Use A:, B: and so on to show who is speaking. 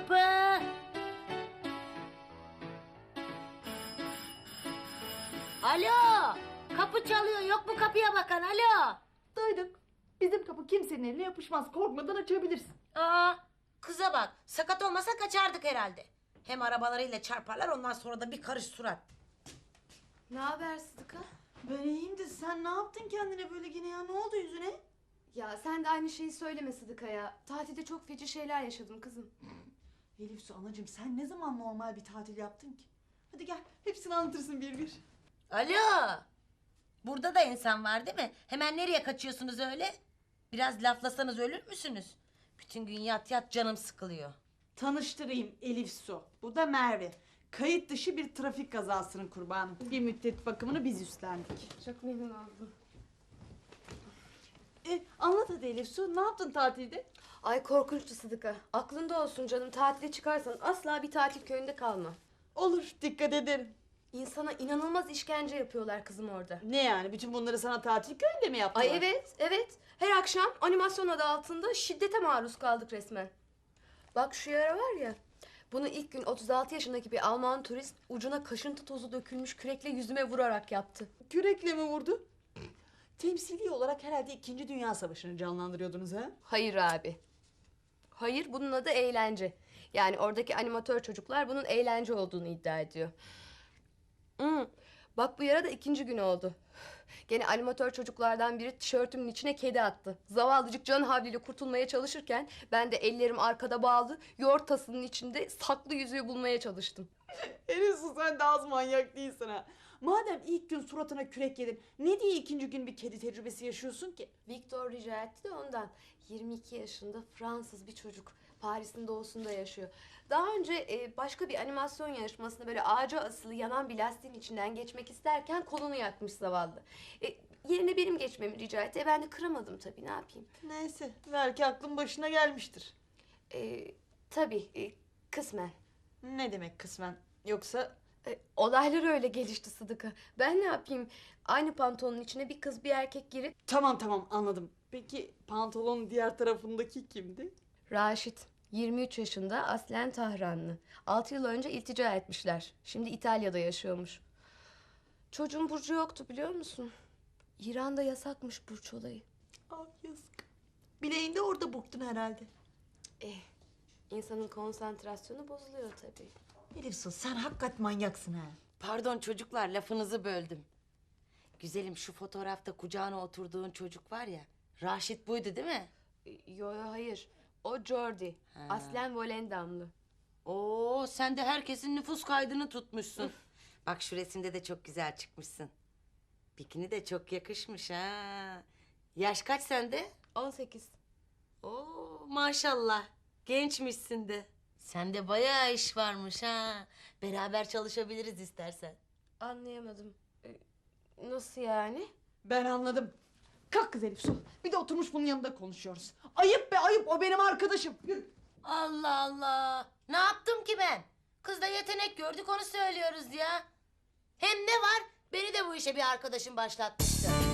A: Kapı. Alo. Kapı çalıyor. Yok mu kapıya bakan? Alo.
B: Duyduk. Bizim kapı kimsenin eline yapışmaz. Korkmadan açabilirsin.
A: Aa, kıza bak. Sakat olmasa kaçardık herhalde. Hem arabalarıyla çarparlar, ondan sonra da bir karış surat.
C: Ne haber Sıdıka?
B: Ben iyiyim de sen ne yaptın kendine böyle yine ya? Ne oldu yüzüne?
C: Ya sen de aynı şeyi söyleme Sıdıka'ya. Tatilde çok feci şeyler yaşadım kızım.
B: Elif Su anacığım sen ne zaman normal bir tatil yaptın ki? Hadi gel hepsini anlatırsın bir bir.
A: Alo. Burada da insan var değil mi? Hemen nereye kaçıyorsunuz öyle? Biraz laflasanız ölür müsünüz? Bütün gün yat yat, canım sıkılıyor.
B: Tanıştırayım Elif Su. Bu da Merve. Kayıt dışı bir trafik kazasının kurbanı. Bir müddet bakımını biz üstlendik.
C: Çok memnun oldum.
B: Anlat hadi Elif Su. Ne yaptın tatilde?
C: Ay korkunçtu Sıdıka. Aklında olsun canım, tatile çıkarsan asla bir tatil köyünde kalma.
B: Olur dikkat ederim.
C: İnsana inanılmaz işkence yapıyorlar kızım orada.
B: Ne yani bütün bunları sana tatil köyünde mi yaptılar?
C: Ay evet. Her akşam animasyon adı altında şiddete maruz kaldık resmen. Bak şu yara var ya. Bunu ilk gün 36 yaşındaki bir Alman turist ucuna kaşıntı tozu dökülmüş kürekle yüzüme vurarak yaptı.
B: Kürekle mi vurdu? Temsili olarak herhalde 2. Dünya Savaşı'nı canlandırıyordunuz ha?
C: Hayır abi. Hayır, bunun adı eğlence. Yani oradaki animatör çocuklar bunun eğlence olduğunu iddia ediyor. Bak bu yara da 2. gün oldu. Gene animatör çocuklardan biri tişörtümün içine kedi attı. Zavallıcık can havliyle kurtulmaya çalışırken ben de ellerim arkada bağlı yoğurt tasının içinde saklı yüzüğü bulmaya çalıştım.
B: Elif Su sen de az manyak değilsin ha. Madem ilk gün suratına kürek yedin, ne diye 2. gün bir kedi tecrübesi yaşıyorsun ki?
C: Victor rica etti de ondan. 22 yaşında Fransız bir çocuk. Paris'in doğusunda yaşıyor. Daha önce başka bir animasyon yarışmasında böyle ağaca asılı yanan bir lastiğin içinden geçmek isterken kolunu yakmış zavallı. Yerine benim geçmemi rica etti. Ben de kıramadım tabii, ne yapayım.
B: Neyse, belki aklın başına gelmiştir.
C: Tabii kısmen.
B: Ne demek kısmen? Yoksa...
C: Olaylar öyle gelişti Sıdıka. Ben ne yapayım? Aynı pantolonun içine bir kız bir erkek girip...
B: Tamam anladım. Peki pantolonun diğer tarafındaki kimdi?
C: Raşit, 23 yaşında, aslen Tahranlı. 6 yıl önce iltica etmişler. Şimdi İtalya'da yaşıyormuş. Çocuğun burcu yoktu biliyor musun? İran'da yasakmış burç olayı.
B: Ah yazık. Bileğinde orada buktun herhalde.
C: İnsanın konsantrasyonu bozuluyor tabii.
B: Elif Su sen hakikat manyaksın ha.
A: Pardon çocuklar, lafınızı böldüm. Güzelim, şu fotoğrafta kucağına oturduğun çocuk var ya, Raşit buydu değil mi?
C: Yo hayır. O Jordi. Aslen Volendamlı.
A: Oo, sen de herkesin nüfus kaydını tutmuşsun. Bak şu resimde de çok güzel çıkmışsın. Bikini de çok yakışmış ha. Yaş kaç sende?
C: 18.
A: Oo, maşallah. Gençmişsin de. Sende bayağı iş varmış ha. Beraber çalışabiliriz istersen.
C: Anlayamadım. Nasıl yani?
B: Ben anladım. Kalk kız Elif Su. Bir de oturmuş bunun yanında konuşuyoruz. Ayıp be ayıp, o benim arkadaşım. Yürü.
A: Allah Allah. Ne yaptım ki ben? Kızda yetenek gördük, onu söylüyoruz ya. Hem ne var? Beni de bu işe bir arkadaşım başlatmıştı.